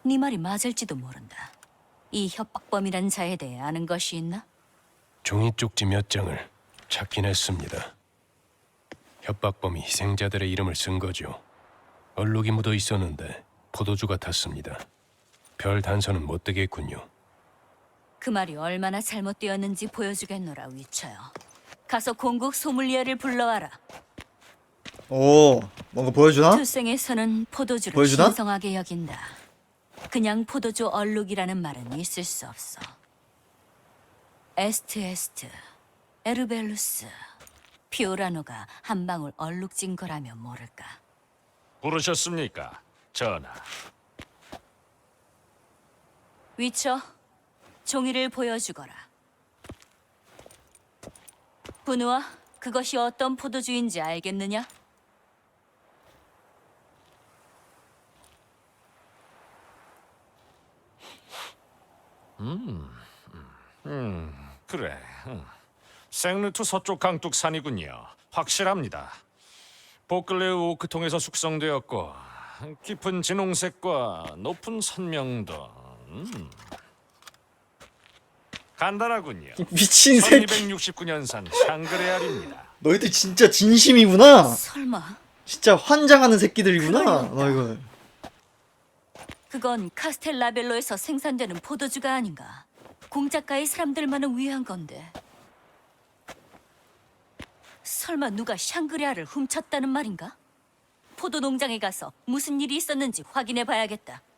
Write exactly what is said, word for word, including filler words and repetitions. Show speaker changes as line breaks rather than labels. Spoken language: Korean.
네 말이 맞을지도 모른다. 이 협박범이란 자에 대해 아는 것이 있나?
종이 쪽지 몇 장을 찾긴 했습니다. 협박범이 희생자들의 이름을 쓴 거죠. 얼룩이 묻어 있었는데 포도주 같았습니다. 별 단서는 못 되겠군요.
그 말이 얼마나 잘못되었는지 보여주겠노라, 위쳐요. 가서 공국 소믈리에를 불러와라.
오, 뭔가 보여주나?
투생에서는 포도주를
보여주나?
신성하게 여긴다. 그냥 포도주 얼룩이라는 말은 있을 수 없어. 에스트에스트, 에르벨루스, 피오라노가 한 방울 얼룩진 거라면 모를까.
부르셨습니까, 전하?
위쳐, 종이를 보여주거라. 분우아, 그것이 어떤 포도주인지 알겠느냐?
그래. 음. 생르투 서쪽 강둑산이군요. 확실합니다. 보클레우 오크통에서 숙성되었고 깊은 진홍색과 높은 선명도. 음. 간단하군요.
미친 새끼.
천이백육십구 년산 샹그레알입니다.
너희들 진짜 진심이구나.
설마
진짜 환장하는 새끼들이구나.
그러려다.
너 이거.
그건 카스텔라벨로에서 생산되는 포도주가 아닌가? 공작가의 사람들만을 위한 건데. 설마 누가 샹그리아를 훔쳤다는 말인가? 포도 농장에 가서 무슨 일이 있었는지 확인해 봐야겠다.